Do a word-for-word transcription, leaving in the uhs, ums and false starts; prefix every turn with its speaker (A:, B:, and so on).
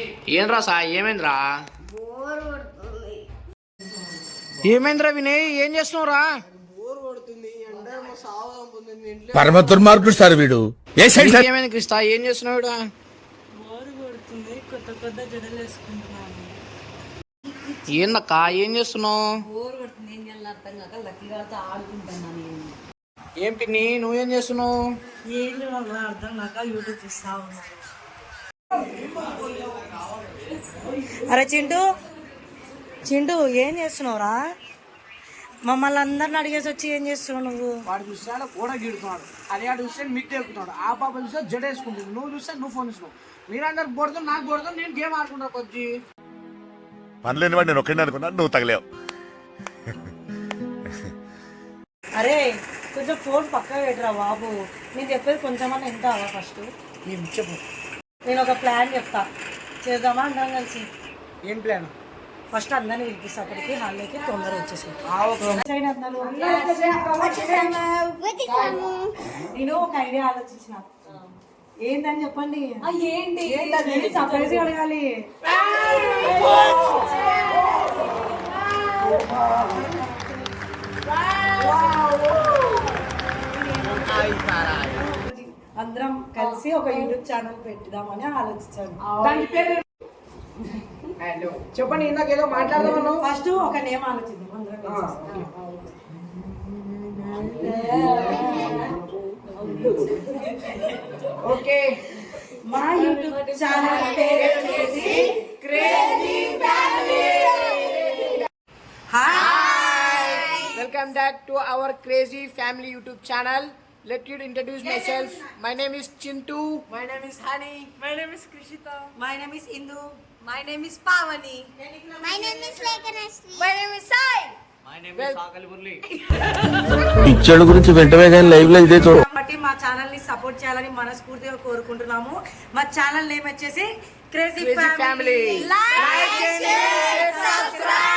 A: ఏంద్రా సా ఏమైందిరా? ఏమైందిరా వినయ్, ఏం చేస్తున్నావురా?
B: పరమ దుర్మార్గుడు సార్ వీడు.
A: ఏమైంది క్రిస్తా, ఏం చేస్తున్నావు? ఏందక్క ఏం చేస్తున్నావు? ఏం పిన్ని నువ్వేం చేస్తున్నావు?
C: అరే చింటూ చింటూ ఏం చేస్తున్నావురా? మమ్మల్ని అందరిని అడిగేసి వచ్చి ఏం చేస్తున్నావు నువ్వు?
A: వాడు చూస్తే కూడా గీడుతున్నాడు, అదే వాడు చూస్తే మిట్ ఎక్కుతున్నాడు, ఆ పాప చూస్తే జడ వేసుకుంటుంది, నువ్వు చూస్తే నువ్వు ఫోన్ ఇస్తున్నావు. మీరందరికి కొడతాం, నాకు కొడతాం, నేను గేమ్ ఆడుకుంటా కొద్ది.
B: పనిలేని వాడు నేను ఒక్కడిని అనుకున్నా, నువ్వు తగలేవు.
C: అరే కొంచెం ఫోన్ పక్కన పెట్టరా బాబు, నేను చెప్పేది కొంచెమన్నా ఎంత అవ్వ ఫస్ట్.
A: ఏం చెప్పు.
C: నేను ఒక ప్లాన్ చెప్తా, చేద్దామా అందరం కలిసి?
A: ఏం ప్లాన్?
C: ఫస్ట్ అందరిని పిలిపిస్తా, అక్కడికి హాల్లోకి తొందర వచ్చేసి. నేను ఒక ఐడియా ఆలోచించిన, ఏంటని చెప్పండి. ఏంటి? సర్ప్రైజ్ అడగాలి. అందరం కలిసి ఒక యూట్యూబ్ ఛానల్ పెట్టుదామని ఆలోచించాను.
A: చెప్పండి, ఇందాక ఏదో మాట్లాడదామను.
C: ఫస్ట్ ఒక నేమ్ ఆలోచిద్దాం అందరం కలిసి.
A: ఓకే,
C: మా యూట్యూబ్ ఛానల్ పేరు వచ్చేసి crazy family.
A: Hi, welcome back to our crazy family YouTube channel. Let me introduce myself. My name is Chintu.
D: My name is Hani.
E: My name is Krishita.
C: My name is Indu.
D: My name is Pavani.
F: My name is Lekanashri.
D: My name is Sai.
E: My name
A: Well,
E: is Sakali Murli.
B: పిచ్చడు గురించి వెంటనే కానీ live లో ఇదే చూడ.
C: కాబట్టి మా channel ని సపోర్ట్ చేయాలని మనస్ఫూర్తిగా కోరుకుంటున్నాము. మా ఛానల్ నేమ్ వచ్చేసి crazy family.
D: Like, share, subscribe.